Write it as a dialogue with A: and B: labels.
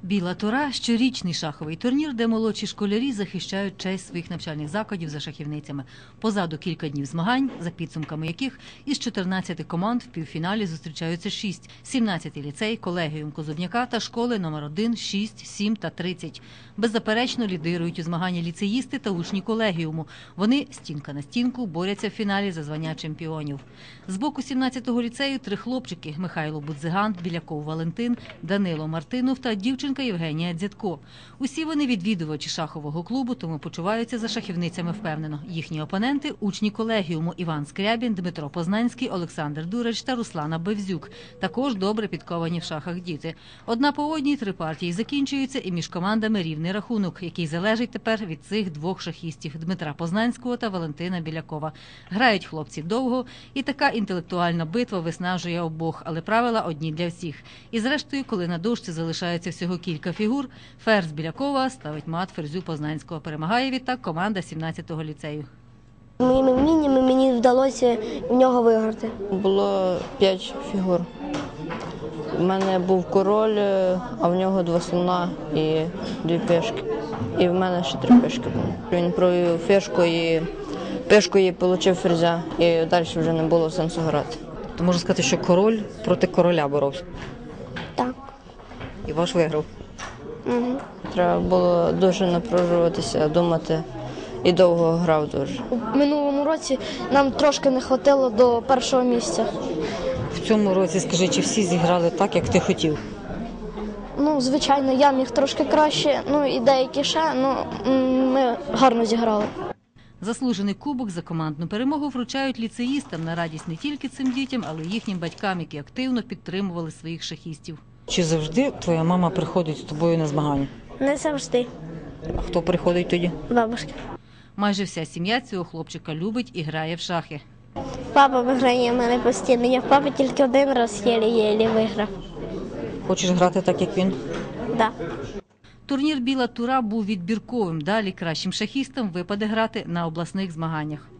A: Біла Тура – щорічний шаховий турнір, де молодші школярі захищають честь своїх навчальних закладів за шахівницями. Позаду кілька днів змагань, за підсумками яких із 14 команд в півфіналі зустрічаються 6. 17-й ліцей, колегіум Козубняка та школи номер 1, 6, 7 та 30. Беззаперечно лідирують у змаганні ліцеїсти та учні колегіуму. Вони стінка на стінку борються в фіналі за звання чемпіонів. З боку 17-го ліцею 3 хлопчики – Михайло Будзиган, Біляков Валентин, Данило Мартинов та дівчинка Євгенія Дзятко. Усі вони відвідувачі шахового клубу, тому почуваються за шахівницями впевнено. Їхні опоненти – учні колегіуму Іван Скрябін, Дмитро Познанський, Олександр Дурач та Руслана Бевзюк. Також добре підковані в шахах діти. Одна по одній 3 партії закінчуються і між командами рівний рахунок, який залежить тепер від цих 2 шахістів – Дмитра Познанського та Валентина Білякова. Грають хлопці довго, і така інтелектуальна битва виснажує обох, але правила одні для всіх. І зрештою, коли на дошці залишається всього кілька фігур, ферзь Білякова ставить мат ферзю Познанського. Перемагає відтак команда 17-го ліцею.
B: Моїми вміннями мені вдалося в нього виграти.
C: Було 5 фігур. У мене був король, а в нього 2 слона і 2 пешки. І в мене ще 3 пешки були. Він провів фішку і пешкою отримав ферзя, і далі вже не було сенсу грати.
A: То можна сказати, що король проти короля боровся.
B: Так.
A: І ваш виграв.
B: Угу.
C: Треба було дуже напружуватися, думати, і довго грав дуже.
B: У минулому році нам трошки не вистачило до першого місця.
A: В цьому році, скажи, чи всі зіграли так, як ти хотів?
B: Ну, звичайно, я міг трошки краще, і деякі ще, ми гарно зіграли.
A: Заслужений кубок за командну перемогу вручають ліцеїстам на радість не тільки цим дітям, але й їхнім батькам, які активно підтримували своїх шахістів. Чи завжди твоя мама приходить з тобою на змагання?
B: Не завжди.
A: А хто приходить тоді?
B: Бабушка.
A: Майже вся сім'я цього хлопчика любить і грає в шахи.
B: Папа виграє в мене постійно. Я в папі тільки один раз єлі-єлі виграв.
A: Хочеш грати так, як він?
B: Так.
A: Турнір «Біла Тура» був відбірковим. Далі кращим шахістам випаде грати на обласних змаганнях.